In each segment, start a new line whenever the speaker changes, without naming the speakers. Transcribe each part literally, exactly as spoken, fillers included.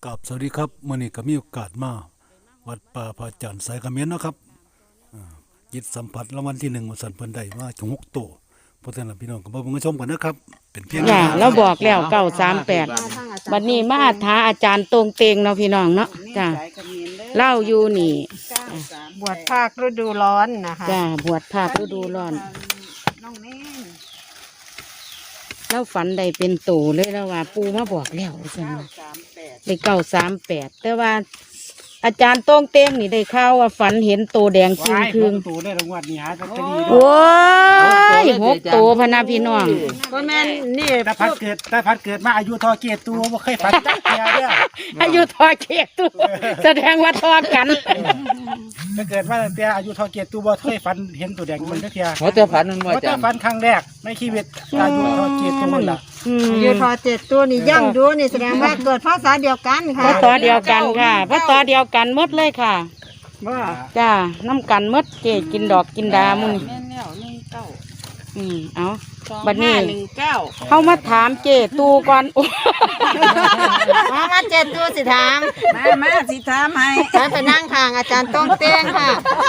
กับสวัสดีครับมื่อนี้ก็มีโอกาสมาวัดป่าพระจันทร์สายเขมิ้นนะครับยิดสัมผัสรางวัลที่หนึ่งมาสั่นเพิ่นได้มาถึงหกตัวเพราะฉะนั้นพี่น้องก็มาเบิ่งชมกันนะครับเป็นเพียง
อย่าเราบอกแล้วเก้าสามแปดบัดนี้มาท้าอาจารย์ตรงเตงเนาะพี่น้องเนาะจ้าเล่าอยู่นี่
บวชภาคฤดูร้อนนะคะ
จ้าบวชภาคฤดูร้อน
น้องเน่น
เล่าฝันได้เป็นตู่เลยแล้วว่า ปูมาบอกแล้วใช่ไหมได้เก้าสามแปดแต่ว่า อาจารย์ตรงเตงนี่ได้ข่าวว่าฝันเห็นตัวแดงจริงคืง
ตัวได้รางวัลนี่หาลอตเตอรี่
โอ้ยหกตัวพะนาพี่น้อง
ก็แม่นนี่
ถ้าพัดเกิดถ้าพัดเกิดมาอายุทอเกียรติตัวบ่เคยฝันจักเทียเด้อ
อายุทอเกียรติตัวแสดงว่าทอกัน
ถ้าเกิดมาตั้งแต่อายุทอเกียรติตัวบ่เคยฝันเห็นตัวแดงมันจักเทีย
เขาจะฝันมันว่า
ว่า
จั
จะ
ง
ฝันครั้งแรกในชีวิตอายุทอเกียรติตัวนั่นล่ะ
อืม
อยู่ทอเจ็ดตัวนี่ย่ำดูนี่แสดงว่าเกิดภาษาเดียวกันค่ะ
พระต่อเดียวกันค่ะพระต่อเดียวกันหมดเลยค่ะ
ว่า
จ้าน้ำกันหมดเจกินดอกกินดามึง
แม่นแล้วหนึ่งเก้า
อืมเอาบัดนี้
หนึ่งเก้า
เขามาถามเจตูก่อน
มามาเจ็ดตัวสิถามมามาสิถามให้ใช้ไปนั่งข้างอาจารย์ต้องเต้งค่ะ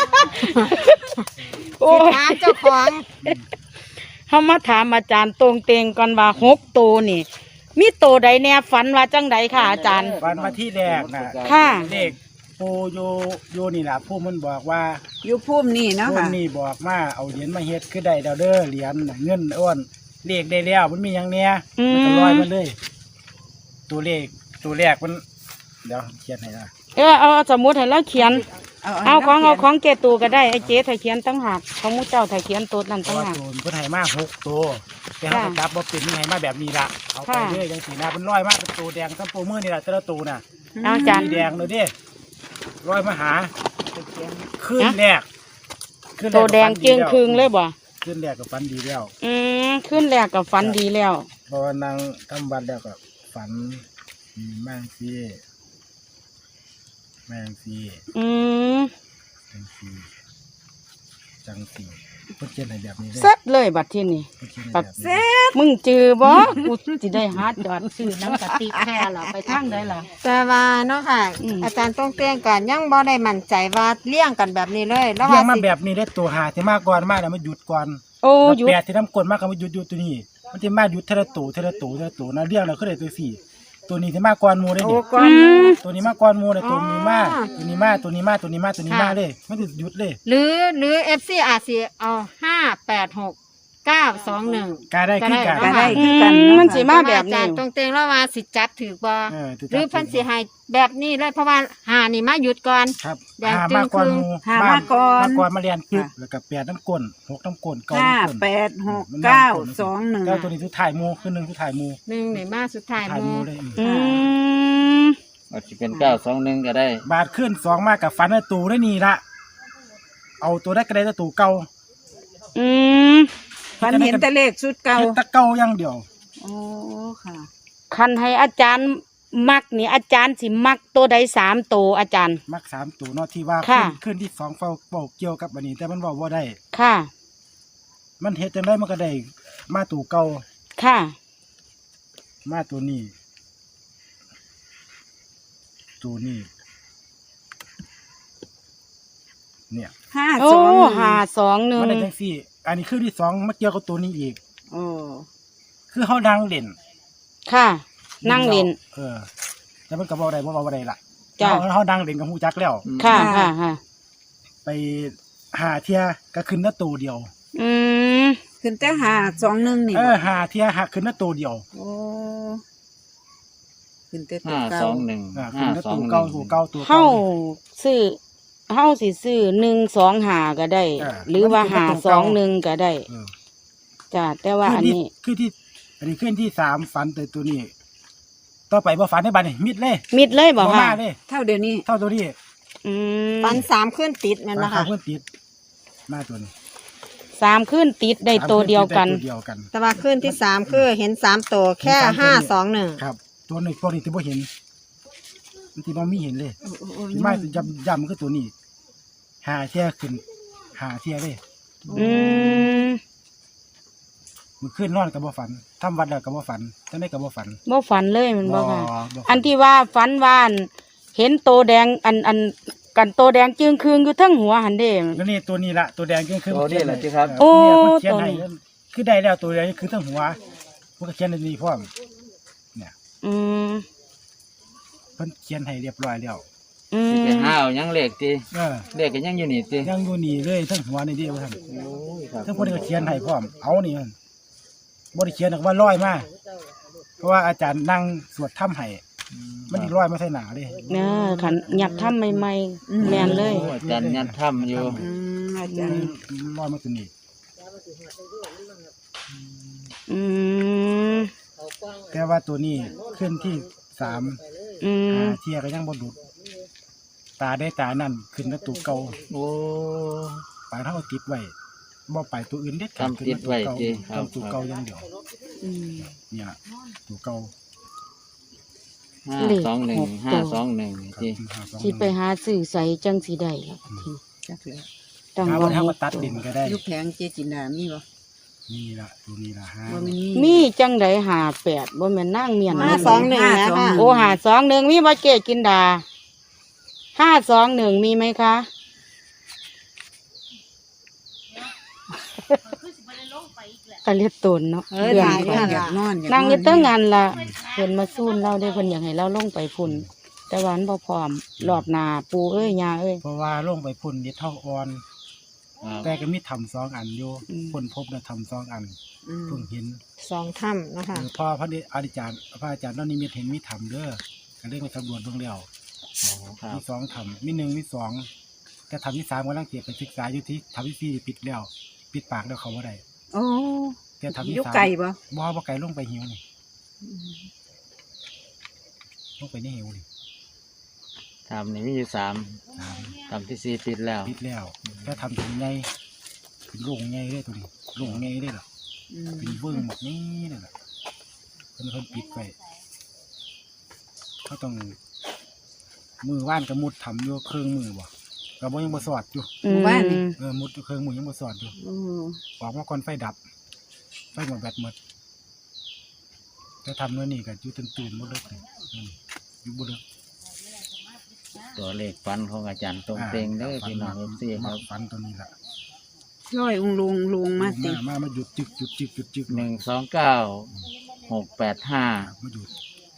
โอ้
สิถามเจ้าของ
เขามาถามอาจารย์ตรงเตงก่อนว่าหกตัวนี่ มีตัวใดแน่ฝันว่าจังใดค่ะ อาจารย์
ฝันมาที่แรกน่ะ
ค่ะ
เลขปูโยโยนี่ล่ะผู้มันบอกว่า
อยู่พุ่มนี่เนาะ
ผู้
ค่ะ
นี่บอกมาเอาเหรียญมาเฮ็ดคือได้ดาวเด้อเหรียญน่ะเงินอ้วนเลขได้แล้วมันมีหยังเนี่ย
อืม
มันก็ลอยมาเลย ตัวเลขตัวแรกมันเดี๋ยวเขียนให้นะ
เออเอาสมมุติให้เราเขียน เอาของเอาของเจตูก็ได้ไอ้เจ๊ถ้าเขียนตั้งหากของมูเจ้าถ้าเขียนตัวนั้น
เพ
ตั้
ราะ
ง
ว่า
หาก
ตัวมันเพิ่นให้มาหกตัวแต่เขาก็จับบ่เป็นยังไงมาแบบนี้ล่ะเอาไป
ค่ะ
เรื่อยจังสีนะเป็นร้อยมากเป็นตัวแดงทั้งโปรมือนี่แหละแต่ละตัวน่ะ
เอาอาจารย์
สีแดงเลยเดิร้อยมาหาขึ้นแรกขึ้นรก
ตัวแดงเจียงคืงเลยบ่
ขึ้นแรกกับฟันดีแล้ว
อืมขึ้นแรกกับฝันดีแล้ว
เพราะว่านางทำบัตรแล้วก็ฝันมีแมงซีแมงซี
อืม
จังซีจังซีเพิ่นเขียนให้แบบนี้เลย
เซ็ตเลยบัดที่นี่
เพิ่นเขียนให้แบบนี้
มึงจือบ่กูสิได้หาจอดซื้อน้ำกะติแค่ล่ะไปทางใดล่ะ
แต่ว่าเนาะค่ะ
อืม
อาจารย์ต้องเต้งกันยังบ่ได้มั่นใจว่าเลี้ยงกันแบบนี้เลยแล้ว
เรีย
ว่าง
มา
สิ
แบบนี้ได้ตัวหาที่มากก่อนมากแล้วมันหยุดก่อน
โอ้
แล้ว
อยู่
แปดที่น้ำกลนมากก็มาหยุดหยุดตัวนี้ มันจะมาหยุดเทละตัวเทละตัวเทละตัวนะเรียงเราก็ได้ตัวสี่ตัวนี้ที่มากก่อนหมูได้
โอ้
ดิ
ก่อ
อื
น
ม
ตัวนี้มากก่อนหมูเลยตัวนี้มาก
อ๋อ
ตัวนี้มากตัวนี้มากตัวนี้มากตัวนี้มาก
ค่ะ
เลยมันจะหยุดเลย
หรือหรือ เอฟ ซี อาจสิเอาห้าแปดหกเก้าสองหนึ่ง
กาได้คือการ
ก็ได้
อืมมันสิมาแบบ
อา
นี้
จารย์ต้องเต้งแล้วว่าสิจับถือบ่
เออถูก
หรือเพันสิให้แบบนี้เลยเพราะว่าหานี่มาหยุดก่อน
ครับ
แดง
หา
จึ้ง
มากก่อนหมู
หามาก่อน
มาก่อนมาเรียนปึ๊บแล้วก็แปดน้ำกลนหกน้ำกลนเก้า
ห้า
น้ำกลน
แปดหก
มัน
เก้า
น้ำกลน
สองหนึ่ง
เก้าตัวนี้คือถ่ายหมูคือหนึ่งคือถ่ายหมู
หนึ่งนี่มาสุดท้าย
ถ่าย
ห
ห
มู
มูเลยอืม
อืม
อาจจะเป็นเก้าสองหนึ่งก็ได้
บาทขึ้นสองมากกับฟันในตูได้นี่ละเอาตัวได้กระไดตัวตูเก่า
อืม
ฝันเห็นแต่เลขชุดเก่า
เฮ็ดแตะเก่าอย่างเดียว
โอ้ค่ะ
คันให้อาจารย์มักนี่อาจารย์สิมักตัวใดสามตัวอาจารย์
มักสามตัวเนาะที่ว่า
ค่ะ
ขึ้นขึ้นที่สองเฝ้าเฝ้าเกี่ยวกับอันนี้ แต่มันเว่าว่าได้
ค่ะ
มันเฮ็ดจังไดมันก็ได้มาตัวเก่า
ค่ะ
มาตัวนี้ ตัวนี้ เนี่ย
ห้า
โอ้
สองหนึ่ง
หาสองหนึ่ง
มันได้จังซี่ อันนี้คือที่สองมาเกี่ยวกับตัวนี้อีก
โอ้
คือเฮานั่งเล่น
ค่ะ นั่งเล่น
เออแต่มันก็บ่ได้บ่เว้าบ่ได้ล่ะ
จ้ะ
เฮาเฮานั่งเล่นกับฮู้จักแล้ว
ค่ะค่ะค่ะ
ไปหาเที่ยก็ขึ้นหน้าตัวเดียว
อืม
ขึ้นแต่ห้าสองหนึ่งนี่
เออหาเที่ยหักขึ้นหน้าตัวเดียว
โอ้ขึ้นแต่ตัว
ห้า
เก่า
สองหนึ่ง
อ่าขึ้
ห้าน
หน้า
สอง
ตัว
หนึ่
เก่าง ตัวเก่าตัว
เฮา
เก่า
ซื้อเฮาสิซื้อหนึ่งสองหาก็ได้
อ่า
หรือว่า
มัน
หา
เป็นตัว
สอง
เก่า
หนึ่งก็ได้
เออ
จ้ะแต่ว่าอันนี้
คือที่อันนี้ขึ้นที่สามฝันแต่ตัวนี้ ต่อไปบ่ฝันในบ้านนี่มิดเลย
มิดเลยบอก
บ่
ค่ะ
มาเลย
เท่าเดี๋ยวนี้
เท่าตัวนี้
อืม
ปันสามขึ้นติดแมัน
รา
นะ
คา
คะ
เพิ่นติดมาตัวนี้
สามขึ้นติดได้ตัวเดียวกัน
สามตัวเดียวกัน
แต่ว่าขึ้นที่สามคือเห็นสามตัวแค่
เห็นสามตัว
ห้าสองหนึ่ง
ครับ ตัวนี้ตัวนี้ที่บ่เห็นมันที่บ่มีเห็นเลย
โอ้โอ้โอ้
ที่มาย้ำย้ำมันคือตัวนี้หาเที่ยขึ้นหาเที่ยเลย
อืม
มื้อคืนนอนก็บ่ฝันทำวัดแล้วก็บ่ฝันจังได๋ก็บ่ฝัน
บ่ฝันเลยแมันบ่ค่ะ
บ่ฝั
อันที่ว่าฝันว่าอันเห็นโตแดงอันอันกันโตแดงจึงคืงอยู่เทั้งหัวหันเด้
แล้วนี่ตัวนี้ละตัวแดงก็คือ
ตัวนี้แหละที่ครับ
โอ้
เขียนให้
ตัวนี้
คือได้แล้วตัวแดงคือทั้งหัวมันก็เขียนในนี้พร้อมเนี่ย
อืม
เพิ่นเขียนให้เรียบร้อยแล้ว
อื
สิไป
ม
ห้าวยังเลขตี
เออ
เลขก็ยังอยู่นี่ตี
ยังอยู่นี่เลยทั้งหัวนี่เดียวท่าน
โอ้ยครับ
ทั้งคนก็เขียนให้พร้อมเอานี่มันบ่ได้เขียนหรอกว่าร้อยมาเพราะว่าอาจารย์นั่งสวดถ้ำให้มันอีร้อยมาใส่หนาเด้
เนอขันหยับทำใหม่ๆแม่นเลย
โอ้อาจารย์ยันถ้ำอยู่
อืมอาจารย์
ร้อยมาตัวนี้
อืม
แต่ว่าตัวนี้ขึ้นที่สาม
อืม
หาเทียก็ยังบ่ดุดตาได้ตานั่นขึ้นกับตัวเก่า
โอ้
ปลาเท่าติดไว้บ่ไปตัวอื่นเด็ดขาด
ทำติดไว้
ขึ้น
ติ
มาตัวเก่า
ครับ
ทำตัวเก่าอย่างเดียว
อืม
เนี่ยตัวเก่า
ห้าสองหนึ่งห้าสองหนึ่ง
ครับ
ตี
ห้าสอง
สิไปหาสื่อใสจังสีได้ล่ะที
จักแล้ว
ต้อง
หา
ว่า
ว่า
ให้
ทำมาตัดดินก็ได้
ยุคแผงเจจินดามีบ่
นี่ละตัวนี้ละห้า
บ่แม่นมี
มีจังไดหาแปดบ่แม่นนางเมียน
ห้าสองหนึ่งนะ
ห้าสองห
คะ
นึ่ง
โอ้หาสองหนึ่งมีบ่เกกินดาห้าสองหนึ่งมีไหมคะก็เรียกตนเนาะ
เออ
เดือน
ถ่าย
ไป
ด้วย
อยากนอนอยาก
นางอยู่เตั้งงานละเพิ่นมาสู้เราได้เพิ่นอยากให้เราลงไปพุ่นแต่วาอันบ่พร้อมรอบหน้าปูเอ้ยยาเอ้ย
เพราะว่าลงไปพ่นนิดเท่าอ่อน
ครับ
แต่ก็มีทำสองอันอยู่
อืม
พ่นพบนะทำสองอัน
อืม
เพิ่งเห็น
สองถ้ำนะคะ
เออพอพระอาจารย์พระอาจารย์ตอนนี้มีเห็นมีทำเด้อก็เลยไปสำรวจเบิ่งแล้ว
โอ้ครับ
มีสองทำมีหนึ่งมีสองแต่ทำที่สามกำลังเก็บไปศึกษาอยู่ที่ทำที่สี่ปิดแล้ว ปิดปากแล้วเขาว่าได้
โอ้
แต่ทำที่
ยุค
สาม
ไก่บ่
บ่บ่ไก่ลงไปหิวนี่ลงไปในหิวนี่
ทำนี่มีอยู่สาม
สาม
ทำที่สี่ปิดแล้ว
ปิดแล้วแต่ทำถึงไงเป็นโล่งไงได้ตัวนี้โล่งไงได้หรอ
อืม
เป็นเบิ้งหมดนี่นั่นแหละเพิ่นเพิ่นปิดไปเขาต้องมือว่านกับมุดทำอยู่เครื่องมือบ่ก็บ่ยังบ่สอดอยู่
อืม
เออมุดเครื่องมือยังบ่สอดอยู่
โอ้
ออกมาก่อนไฟดับ ไฟหมดแบตหมดแต่ทำเนื้อนี่ก็อยู่ตื่นๆบ่เลิกนี่อืมอยู่บ่เลิก
ตัวเลขฟันของอาจารย์ตรงเต็งเด้อพี่น้องเอฟซีครับ
ฟันตัวนี้ล่ะ
ร้อยองค์ลงลงมาติ
มามามาหยุดจึกหยุดจึกหยุดจึก
หนึ่งสองเก้าหกแปดห้า
มาหยุด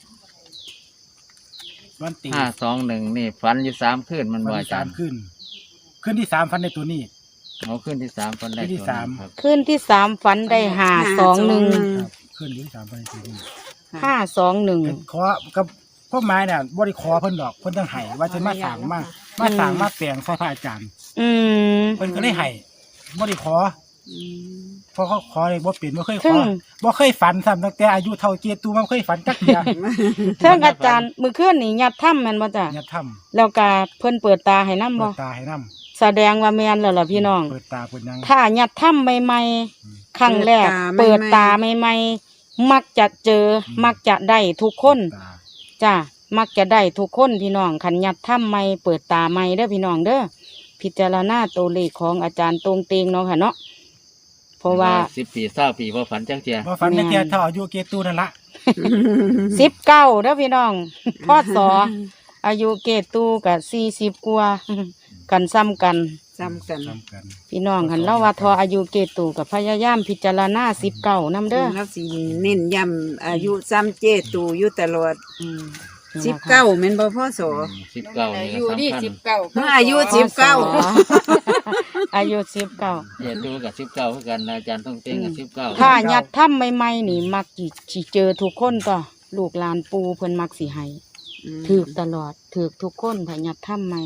วันตี
ห้าสองหนึ่งนี่ฟันอยู่สามคืนมัน
ฟั
บ่
น
อา
ที่
จา
สาร ม
ย์
ขึ้น ขึ้นที่สามฟันในตัวนี้
เอาขึ้นที่สามฟันได้
ขึ้นที่
ตัว
สาม
นี้ครับ
ขึ้นที่สามฝันได้หาสองหนึ่ง
ครับขึ้นที่สามฟันในตัวนี้
ห้าสองหนึ่ง
ขอกับพ่อไม้เนี่ยบ่ได้ขอเพิ่นดอกเพิ่นต้องให้ว่าจะมาสั่งมามาสั่งมาแปลงใส่พระอาจารย์
อืม
เพิ่นก็เลยให้บ่ได้ขอ
อืม
เพราะเขาขอเลยบ่เป็นบ่เคยข
ซึ่
อง บ่เคยฝันซ้ำตั้งแต่อายุเท่าเกียรตูมันเคยฝันจักเดียว
เทิงอาจารย์มือเคลื่อนนี่ยัดถ้ำแม่นบ่จ้ะ
อย่าทำ
แล้วก็เพิ่นเปิดตาให้นำ
เปิ
บ่
ดตาให้นำ
แสดงว่าแม่นแล้วล่ะพี่น้อง
เปิดตาเปิดหยัง
ถ้ายัดถ้ำใหม่ๆครั้งแรก เปิดตาใหม่ๆมักจะเจอ มักจะได้ทุกคน
ตา
จ้ะมักจะได้ทุกคนพี่น้องขันยัดถ้ำใหม่เปิดตาใหม่เด้อพี่น้องเด้อพิจารณาตัวเลขของอาจารย์ตรงเตงเนาะค่ะเนาะเพราะว่า
สิบปีเศร้าปีว่าฝันจังเจีย
บ่ฝันจักเดียวเท่าอายุเกียรตูนั่นละ
สิบเก้าเด้อพี่น้องพ่อสออายุเกตตูกับสี่สิบกว่ากันซ้ำกัน
จำกัน
ทำกัน
พี่น้องคันเล่าว่าทออายุเกตูกับพยายามพิจารณาสิบเก้านำเด้อ
แล้วสิเน้นย้ำอายุซ้ำเจตูอยู่ตลอด
อืม
สิบเก้าแม่นบ่พ่อโส
สิบเก้านี่ก็สำคัญ
อายุสิบเก้า
อายุสิบเก้า
เจ็ดดูกับสิบเก้าคือกันอาจารย์ต้องเต็งกับสิบเก้า
ถ้ายัดถ้ำใหม่ๆนี่มักสิสิเจอทุกคนต่อลูกหลานปูเพิ่นมักสิให้ถือตลอดถือทุกคนถ้ายัดถ้ำใหม่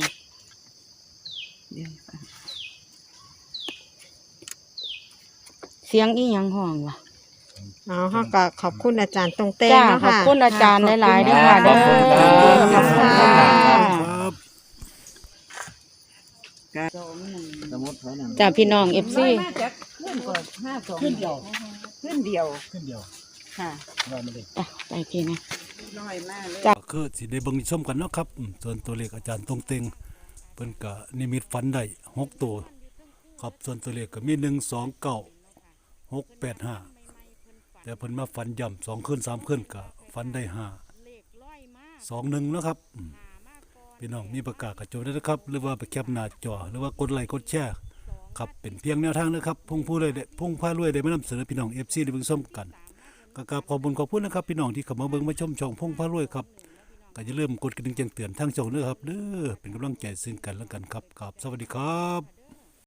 เสียงอีหยังห้องวะ
อ๋อเขาก็ขอบคุณอาจารย์ตรงเต้ง
จ้า
เนาะ
ขอบ
ค่ะ
คุณอาจารย์หลายๆด้วยค่ะ
ขอบคุณครับ
ขอบคุณค่ะ
ครับ
สมมติเขานั่น
จ้าพี่น้องเอฟซี
มาจากขึ้นก่อนห้าสอง
ขึ้นเดียว
ขึ้นเดียว
ขึ้นเดียว
ค่ะ
ว่ามาเลย
จ้ะไปพี่นะ
น้อยมากเลย
ก็คือสิได้เบิ่งชมกันเนาะครับอืมส่วนตัวเลขอาจารย์ตรงเต็งเพิ่นก็นิมิตฝันได้หกตัวครับส่วนตัวเลขก็มีหนึ่งสองเก้าหกแปดห้าแต่เพิ่นมาฝันย่ำสองคืนสามคืนก็ฝันได้ห้าสองหนึ่งนะครับอืมพี่น้องมีประกาศกระโจนด้วยนะครับ หรือว่าไปแคปหน้าจอหรือว่ากดไลค์กดแชร์ครับเป็นเพียงแนวทางนะครับพุ่งผู้เลยพุ่งพารวยได้มานำเสนอพี่น้อง เอฟ ซี ได้เบิ่งส้มกันก็กราบขอบคุณขอบคุณนะครับพี่น้องที่เข้ามาเบิ่งมาชมช่องพุ่งพารวยครับก็อย่าลืมกดกระดิ่งแจ้งเตือนทางช่องด้วยครับเด้อเป็นกำลังใจซึ่งกันและกันครับครับสวัสดีครับ